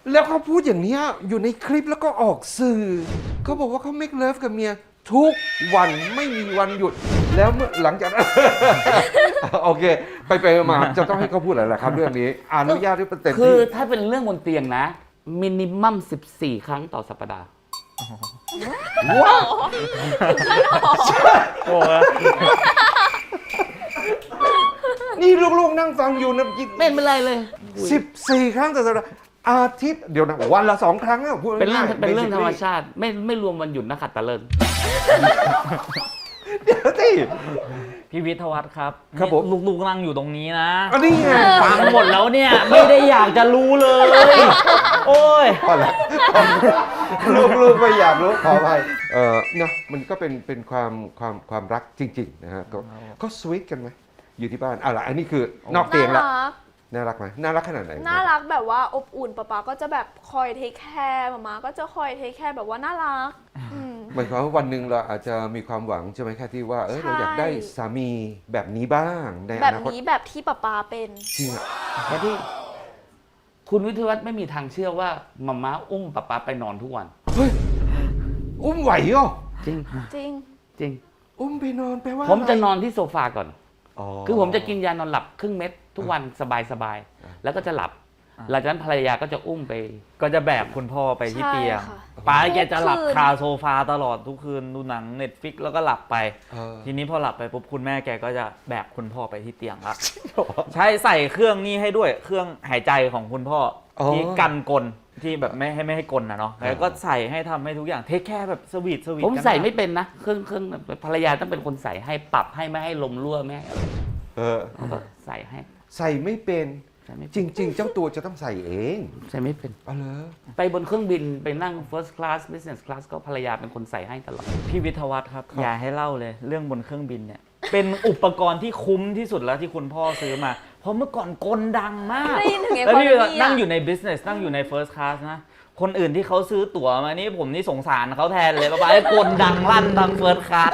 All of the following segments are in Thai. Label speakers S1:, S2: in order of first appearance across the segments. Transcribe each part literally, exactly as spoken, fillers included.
S1: แล้วเขาพูดอย่างเนี้ยอยู่ในคลิปแล้วก็ออกสื่อเขาบอกว่าเขา make love กับเมียทุกวันไม่มีวันหยุด แล้วเมื่อหลังจากนั้น โอเค ไปไปมาจะต้องให้เขาพูดอะไรล่ะครับเรื่องนี้อนุญาตให้เป็นเต็ม
S2: คือ
S1: ที่
S2: ถ้าเป็นเรื่องบนเตียงนะมินิมัมสิบสี่ครั้งต่อสัปดาห์
S1: ว้าว
S3: โอ้ย
S1: นี่ลูกๆนั่งฟังอยู่นะ
S2: ไม่เป็นไรเลย
S1: สิบสี่ครั้งต่อสัปดาห์อาทิตย์เดี๋ยวนะวันละสองครั้งอะพูด
S2: เป็นเรื่อง
S1: ง่ายๆ
S2: เป็นเรื่องธรรม
S1: basically
S2: ชาติ ไม่ไม่รวมวันหยุดนักขัตฤกษ์
S1: เดี๋ยวสิ
S3: พี่วิทยวัฒน์ครับ
S1: ครับผม
S3: นี่ลูกๆนั่งอยู่ตรงนี้นะ
S1: อันนี้ไง
S3: ฟังหมดแล้วเนี่ย ไม่ได้อยากจะรู้เลย โอ้ย
S1: พอละลูกๆไม่อยากรู้ขออภัยเออเนาะมันก็เป็นเป็นความความความรักจริงๆนะฮะก็ก็สวีทกันไหมอยู่ที่บ้านอ่ะล่ะอันนี้คือนอกเตียงละ
S4: น่ารัก
S1: น่ารักไหมน่ารักขนาดไหน
S4: น่ารักแบบว่าอบอุ่นป๊าป๊าก็จะแบบคอยเทคแคร์มาม่าก็จะคอยเทคแคร์แบบว่าน่ารักอืม
S1: หมายความว่าวันหนึ่งเราอาจจะมีความหวังใช่ไหมแค่ที่ว่าเออ
S4: ใช่
S1: เราอยากได้สามีแบบนี้บ้างในอ
S4: แบบ
S1: นาคต
S4: นี้แบบที่ป๊าป๊าเป็น
S1: จริงอะ
S2: แค่ที่คุณวิทยวัฒน์ไม่มีทางเชื่อว่ามาม่าอุ้มป๊าป๊าไปนอนทุกวัน
S1: เฮ้ยอุ้มไหวเหรอ
S2: จริง
S4: จริง
S2: จริง
S1: อุ้มไปนอนแปลว่า
S2: ผมจะ
S1: ไร
S2: นอนที่โซฟาก่อน
S1: อ๋อ
S2: คือผมจะกินยานอนหลับครึ่งเม็ดทุกวันสบายสบายๆแล้วก็จะหลับ
S3: อ่า
S2: หลังจากนั้นภรรยาก็จะอุ้มไป
S3: ก็จะแบกคุณพ่อไปที่
S4: ใช่
S3: เตียง
S4: ค่ะ
S3: ป้าแกจะหลับ
S4: ทุกคืน
S3: คาโซฟาตลอดทุกคืนดูหนังเน็ตฟิกแล้วก็หลับไป
S1: เออ
S3: ทีนี้พอหลับไปปุ๊บคุณแม่แกก็จะแบกคุณพ่อไปที่เตียงละใช้ใส่เครื่องนี้ให้ด้วยเครื่องหายใจของคุณพ่ออ
S1: อ
S3: ที่กันกลที่แบบไม่ให้ไม่ให้กลนะเนาะ
S1: อ่า
S3: แล้วก็ใส่ให้ทำให้ทุกอย่างเทคแค่แบบสวีทสวีท
S2: ผม
S3: กัน
S2: ใส่
S3: นะ
S2: ไม่เป็นนะเครื่องเครื่องภรรยาต้องเป็นคนใส่ให้ปรับให้ไม่ให้ลมรั่วไม่ให้อะไร
S1: เออ
S2: แล้วก็ใส่ให้
S1: ใส่ไม่เป็น
S2: ใส่ไม่
S1: จริง ๆ เจ้าตัวจะต้องใส่เอง
S2: ใส่ไม่เป็น
S1: เอาเลย
S2: ไปบนเครื่องบินไปนั่ง first class business class ก็ภรรยาเป็นคนใส่ให้ตลอด
S3: พี่วิทยวัฒน์ครับอย่าให้เล่าเลยเรื่องบนเครื่องบินเนี่ย เป็นอุปกรณ์ที่คุ้มที่สุดแล้วที่คุณพ่อซื้อมา เพราะเมื่อก่อนกลดังมาก
S4: ได้ยินถึง
S3: แล้วพี่
S4: economy
S3: นั่ง
S4: อะ
S3: อยู่ใน business นั่งอยู่ใน first class นะ คนอื่นที่เขาซื้อตั๋วมานี่ผมนี่สงสารเขาแทนเลยป้าไอ้กลดังลั่นทาง first class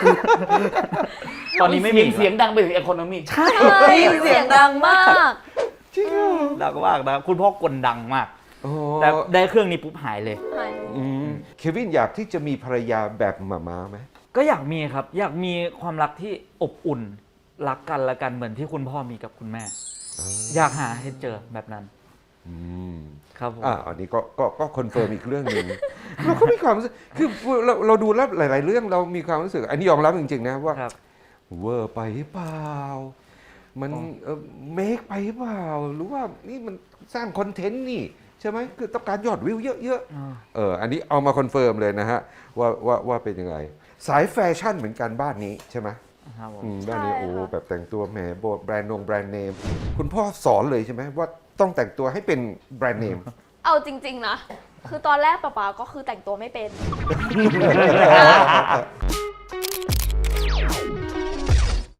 S3: ตอนนี้ไม่มี
S2: เสียงดังไปถึง economy
S3: ใช่
S4: ใช่เสียงดังมาก
S1: จริงเหรอ
S3: ดังมากนะคุณพ่อกลดังมาก
S1: โอ้
S3: แต่ได้เครื่องนี้ปุ๊บหายเลย
S4: หาย
S1: อืมเควินอยากที่จะมีภรรยาแบบหมาม้าไหม
S3: ก็อยากมีครับ อยากมีความรักที่อบอุ่นรักกันละกันเหมือนที่คุณพ่อมีกับคุณแม่ อยากหาให้เจอแบบนั้น
S1: อืม
S3: ครับผม
S1: อ่าอันนี้ก็ก็ก็คอนเฟิร์มอีกเรื่องหนึ่ง เราก็มีความรู้สึกคือเราเราดูแล้วหลาย ๆ เรื่องเรามีความรู้สึก อันนี้ยอมรับจริง ๆ นะว่า
S3: ครับ
S1: เวอร์ไปหรือเปล่า มัน
S3: อ๋อ
S1: เออเมคไปหรือเปล่า หรือว่านี่มันสร้างคอนเทนต์นี่ใช่ไหมคือต้องการยอดวิวเยอะ
S3: อ่า
S1: ๆเอออันนี้เอามาคอนเฟิร์มเลยนะฮะว่าว่าว่าเป็นยังไง สายแฟชั่นเหมือนกันบ้านนี้ใช่ไหม
S3: ครับผม
S1: อืมบ้านนี้
S4: ใช่
S1: โอ้
S4: ค่ะ
S1: แบบแต่งตัวแหมโบแบรนด์นงแบรนด์เนมคุณพ่อสอนเลยใช่ไหมว่าต้องแต่งตัวให้เป็นแบรนด์เนม
S4: เอาจริง ๆ นะ คือตอนแรกป๊าป๊าก็คือแต่งตัวไม่เป็น